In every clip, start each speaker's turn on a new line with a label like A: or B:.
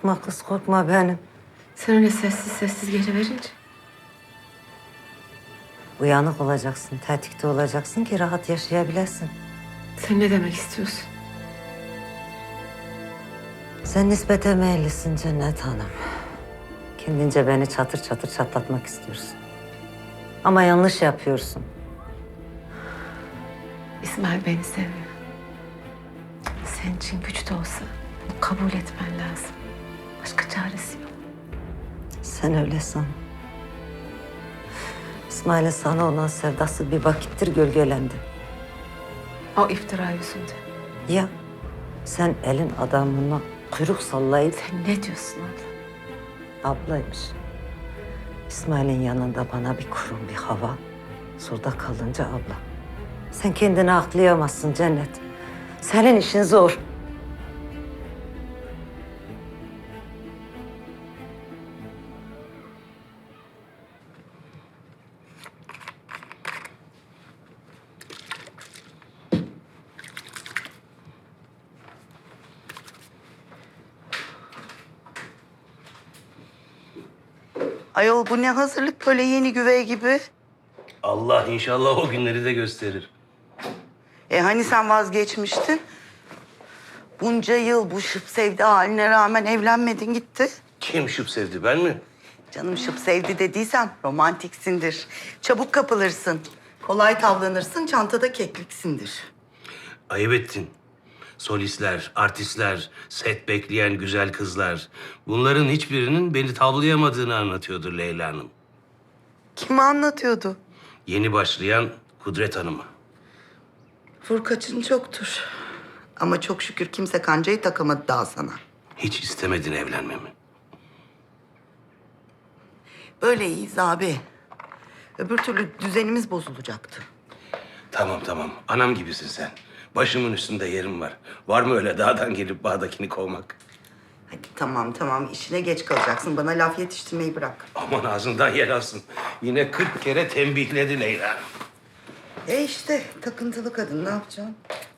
A: Korkma kız, korkma benim.
B: Sen öyle sessiz sessiz geliverince.
A: Uyanık olacaksın, tetikte olacaksın ki rahat yaşayabilesin.
B: Sen ne demek istiyorsun?
A: Sen nispete meyillisin Cennet Hanım. Kendince beni çatır çatır çatlatmak istiyorsun. Ama yanlış yapıyorsun.
B: İsmail beni seviyor. Senin için güç de olsa bunu kabul etmen lazım. Başka çaresi yok.
A: Sen öyle san. İsmail'in sana olan sevdası bir vakittir gölgelendi.
B: O iftira yüzünden.
A: Ya sen elin adamına kuyruk sallayıp
B: Sen ne diyorsun abla?
A: ablaymış. İsmail'in yanında bana bir kurum bir hava. Surda kalınca abla. Sen kendini aklayamazsın Cennet. Senin işin zor.
C: Ayol bu ne hazırlık böyle yeni güvey gibi?
D: Allah inşallah o günleri de gösterir.
C: Hani sen vazgeçmiştin? Bunca yıl bu şıp sevdi haline rağmen evlenmedin gitti.
D: Kim şıp sevdi, ben mi?
C: Canım şıp sevdi dediysen romantiksindir. Çabuk kapılırsın. Kolay tavlanırsın, çantada kekliksindir.
D: Ayıp ettin. Solistler, artistler, set bekleyen güzel kızlar. Bunların hiçbirinin beni tavlayamadığını anlatıyordur Leyla Hanım.
C: Kime anlatıyordu?
D: Yeni başlayan Kudret Hanım'a.
C: Vurkaçın çoktur. Ama çok şükür kimse kancayı takamadı daha sana.
D: Hiç istemedin evlenmemi.
C: Böyle iyiyiz abi. Öbür türlü düzenimiz bozulacaktı.
D: Tamam. Anam gibisin sen. Başımın üstünde yerim var. Var mı öyle dağdan gelip bağdakini kovmak?
C: Hadi tamam. İşine geç kalacaksın. Bana laf yetiştirmeyi bırak.
D: Aman ağzından yer alsın. Yine 40 kere tembihledi Leyla Hanım.
C: İşte takıntılı kadın ne yapacaksın?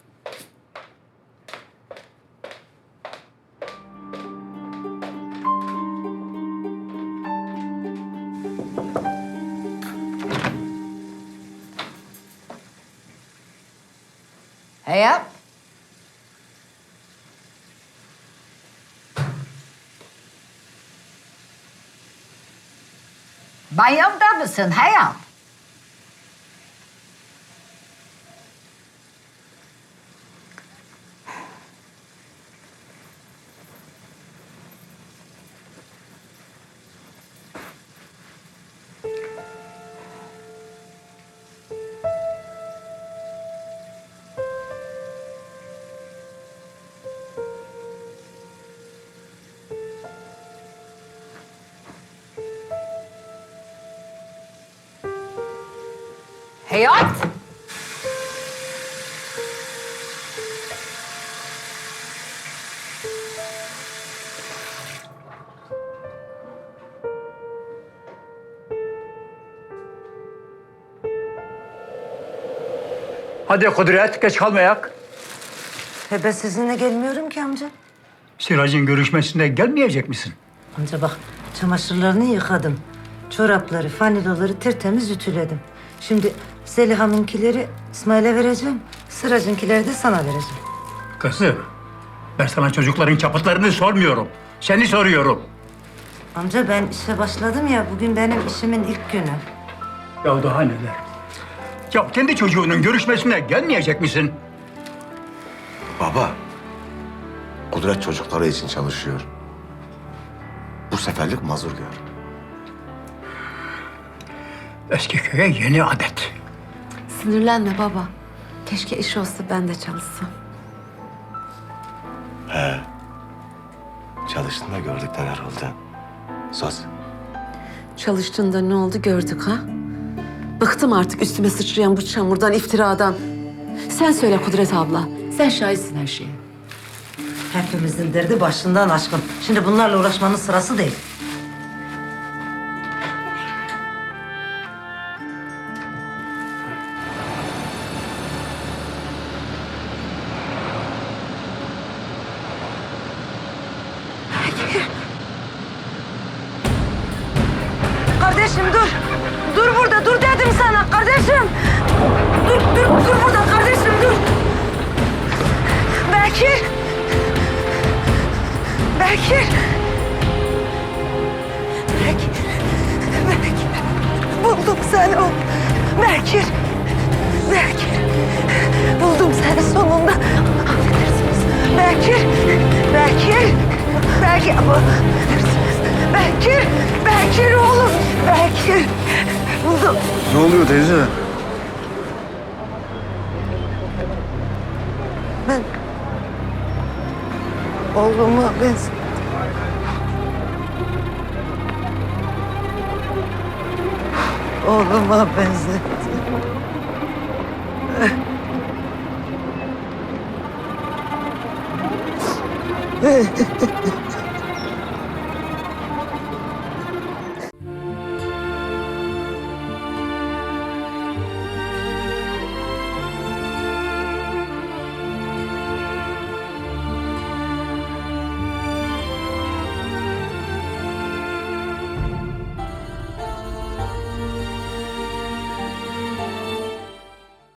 E: Hayat. Banyomda mısın Hayat? Hayat.
F: Hadi Kudret, geç kalmayak.
A: Ben sizinle gelmiyorum ki amca.
F: Siracın görüşmesine gelmeyecek misin?
A: Amca bak, çamaşırlarını yıkadım. Çorapları, faniloları tertemiz ütüledim. Şimdi Zeliha'nınkileri İsmail'e vereceğim. Sıracınkileri de sana vereceğim.
F: Kızım, ben sana çocukların çapıtlarını sormuyorum. Seni soruyorum.
A: Amca ben işe başladım ya, bugün benim işimin ilk günü.
F: Ya daha neler? Ya kendi çocuğunun görüşmesine gelmeyecek misin?
G: Baba, Kudret çocukları için çalışıyor. Bu seferlik mazur gör.
F: Eski köye yeni adet.
B: Sinirlenme baba. Keşke iş olsa ben de çalışsam.
G: Çalıştın da gördük neler oldu. Söz.
B: Çalıştığında ne oldu gördük ha? Bıktım artık üstüme sıçrayan bu çamurdan, iftiradan. Sen söyle Kudret abla. Sen şahitsin her şeye.
A: Hepimizin derdi başından aşkın. Şimdi bunlarla uğraşmanın sırası değil. Kardeşim dur. Dur burada, dur dedim sana kardeşim. Dur burada kardeşim, dur. Bekir. Bekir. Buldum seni o. Bekir. Buldum seni sonunda. Affedersiniz. Bekir. Bekir oğlum. Bekir. Buldum.
G: Ne oluyor teyze?
A: Ben oğluma benzettim. Oğluma benzettim.